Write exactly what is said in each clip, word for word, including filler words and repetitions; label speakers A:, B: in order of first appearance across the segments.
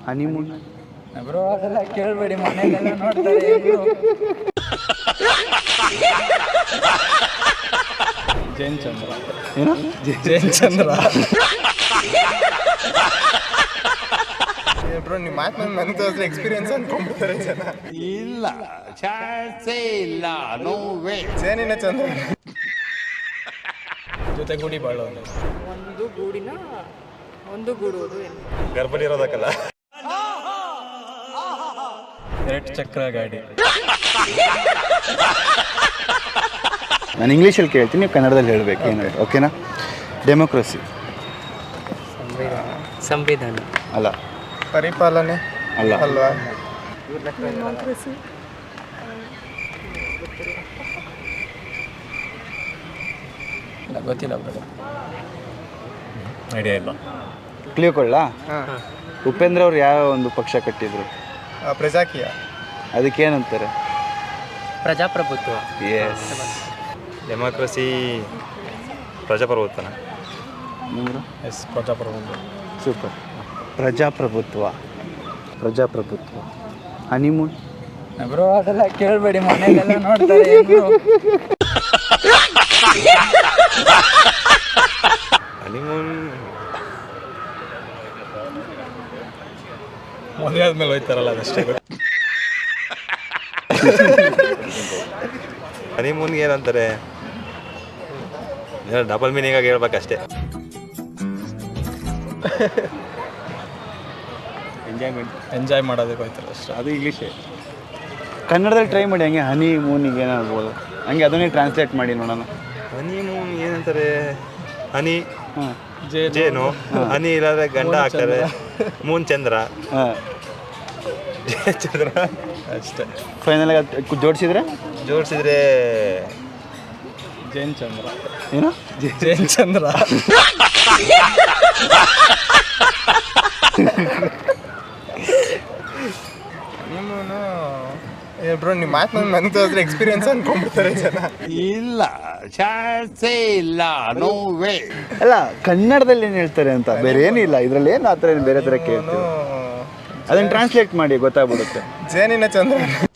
A: Honeymoon.
B: Bro ಅದೆಲ್ಲ ಕೇಳಬೇಡಿ, ಮನೆಯಲ್ಲೆಲ್ಲ ನೋಡ್ತಾರೆ ಬ್ರೋ. ಜೈನ್ ಚಂದ್ರ.
A: ಏನು
B: ಜೈನ್ ಚಂದ್ರ.
C: ಬ್ರೋ ನಿಮ್ಮ ಮಾತು ನನ್ನ ತೋರಿಸಿದ್ರೆ ಎಕ್ಸ್ಪೀರಿಯನ್ಸ್ ಅನ್ಕೊಂಡ್ಬಿಡ್ತಾರೆ ಜನ.
D: ಇಲ್ಲ, ಚಾನ್ಸೇ ಇಲ್ಲ, ನೋ ವೇ.
C: ಜೇನಿನ ಚಂದ್ರ.
B: ಜೊತೆ ಗೂಡಿ ಬಾಳೋದು.
E: ಒಂದು ಗೂಡಿನ ಒಂದು ಗೂಡುವುದು ಏನು?
C: ಗರ್ಭಲಿ ಇರೋದಕ್ಕಲ್ಲ.
B: ಎರಡು ಚಕ್ರ ಗಾಡಿ.
A: ನಾನು ಇಂಗ್ಲೀಷಲ್ಲಿ ಕೇಳ್ತೀನಿ, ನೀವು ಕನ್ನಡದಲ್ಲಿ ಹೇಳಬೇಕು ಏನಾದ್ರು, ಓಕೆನಾ? ಡೆಮೋಕ್ರಸಿ
E: ಸಂವಿಧಾನ
A: ಅಲ್ಲ.
C: ಪರಿಪಾಲನೆ
A: ಅಲ್ಲ.
C: ಅಲ್ವಾ?
B: ಗೊತ್ತಿಲ್ಲ ಬ್ರೋ, ಐಡಿಯಾ ಇಲ್ಲ.
A: ಕ್ಲಿಯರ್ ಕೊಳ್ಳಾ?
C: ಹಾಂ.
A: ಉಪೇಂದ್ರ ಅವ್ರು ಯಾವ ಒಂದು ಪಕ್ಷ ಕಟ್ಟಿದ್ರು?
C: ಪ್ರಜಾಕೀಯ.
A: ಅದಕ್ಕೇನಂತಾರೆ?
E: ಪ್ರಜಾಪ್ರಭುತ್ವ.
A: ಎಸ್.
C: ಡೆಮೋಕ್ರಸಿ ಪ್ರಜಾಪ್ರಭುತ್ವನ.
A: ನಿಮ್ದು?
B: ಎಸ್, ಪ್ರಜಾಪ್ರಭುತ್ವ.
A: ಸೂಪರ್. ಪ್ರಜಾಪ್ರಭುತ್ವ. ಪ್ರಜಾಪ್ರಭುತ್ವ. ಹನಿಮೂನ್.
B: ಬ್ರೋ ಅದೆಲ್ಲ ಕೇಳಬೇಡಿ, ಮನೆಯಲ್ಲೆಲ್ಲ ನೋಡ್ತಾರೆ ಬ್ರೋ.
C: ಹನಿಮೂನ್
B: ಮದುವೆ ಆದ್ಮೇಲೆ ಹೋಯ್ತಾರಲ್ಲ ಅದಷ್ಟೇ.
C: ಹನಿಮೂನ್ಗೆ ಏನಂತಾರೆ? ಡಬಲ್ ಮೀನಿಂಗ್ ಆಗಿ ಹೇಳ್ಬೇಕಷ್ಟೇ.
A: ಎಂಜಾಯ್ಮೆಂಟ್.
B: ಎಂಜಾಯ್ ಮಾಡೋದಕ್ಕೆ ಹೋಯ್ತಾರೆ ಅಷ್ಟೇ.
A: ಅದು ಇಂಗ್ಲೀಷೇ. ಕನ್ನಡದಲ್ಲಿ ಟ್ರೈ ಮಾಡಿ, ಹಂಗೆ ಹನಿ ಮೂನಿಗೆ ಏನಾಗ್ಬೋದು, ಹಂಗೆ ಅದನ್ನೇ ಟ್ರಾನ್ಸ್ಲೇಟ್ ಮಾಡಿ ನೋಡೋಣ.
C: ಹನಿಮೂನ್ ಏನಂತಾರೆ? ಹನಿ
A: ಹಾಂ
C: ಜೇನು, ಹನಿ ಇಲ್ಲಾಂದ್ರೆ ಗಂಡ ಹಾಕ್ತಾರೆ. ಮೂನ್ ಚಂದ್ರ.
A: ಹಾಂ
C: ಚಂದ್ರ
B: ಅಷ್ಟೇ.
A: ಫೈನಲಾಗಿ ಜೋಡಿಸಿದ್ರೆ
C: ಜೋಡಿಸಿದ್ರೆ
B: ಜೈನ್ ಚಂದ್ರ.
A: ಏನು?
B: ಜೈನ್ ಚಂದ್ರ.
C: ಹನಿಮೂನು ಬ್ರೋ ನಿಮ್ಮ ಮಾತು ನನ್ನ ತೋರಿಸಿದ್ರೆ ಎಕ್ಸ್ಪೀರಿಯನ್ಸ್ ಅನ್ಕೊಂಡ್ಬಿಡ್ತಾರೆ ಜನ.
D: ಇಲ್ಲ, ಚಾನ್ಸೇ ಇಲ್ಲ, ನೋ ವೇ.
A: ಅಲ್ಲ, ಕನ್ನಡದಲ್ಲಿ ಏನು ಹೇಳ್ತಾರೆ ಅಂತ, ಬೇರೆ ಏನಿಲ್ಲ ಇದರಲ್ಲಿ. ಏನು ಆ ಥರ ಏನು ಬೇರೆ ಥರ ಕೇಳ್ತೀವಿ, ಅದನ್ನು ಟ್ರಾನ್ಸ್ಲೇಟ್ ಮಾಡಿ ಗೊತ್ತಾಗ್ಬಿಡುತ್ತೆ.
C: ಜೇನಿನ ಚಂದ್ರ.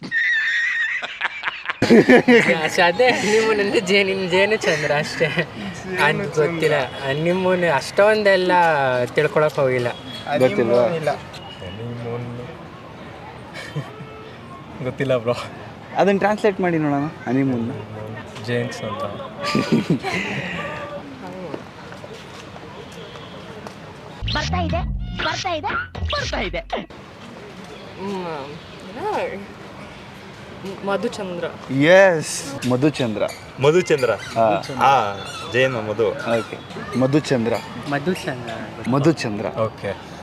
E: ಅದೇ ಹನಿಮೂನ್ ಜೇನಿನ ಜೇನು ಚಂದ್ರ ಅಷ್ಟೇ. ಅದು ಗೊತ್ತಿಲ್ಲ. ಹನಿಮೂನ್ ಅಷ್ಟೊಂದೆಲ್ಲ ತಿಳ್ಕೊಳಕ್ ಹೋಗಿಲ್ಲ.
A: ಗೊತ್ತಿಲ್ವಾ?
C: ಇಲ್ಲ.
B: ಹನಿಮೂನ್ ಗೊತ್ತಿಲ್ಲ ಬ್ರೋ.
A: ಅದನ್ನು ಟ್ರಾನ್ಸ್ಲೇಟ್ ಮಾಡಿ ನೋಡೋಣ. ಹನಿಮೂನ್
B: ಜೇನ್ಸ್ ಅಂತ.
F: ಬರ್ತಾ ಇದೆ ಬರ್ತಾ ಇದೆ ಬರ್ತಾ ಇದೆ.
E: ಮಧುಚಂದ್ರ.
A: ಎಸ್, ಮಧುಚಂದ್ರ.
C: ಮಧುಚಂದ್ರ. ಹಾ, ಜೇನು ಮಧು.
A: ಓಕೆ, ಮಧುಚಂದ್ರ.
E: ಮಧುಚಂದ್ರ.
A: ಮಧುಚಂದ್ರ.
B: ಓಕೆ.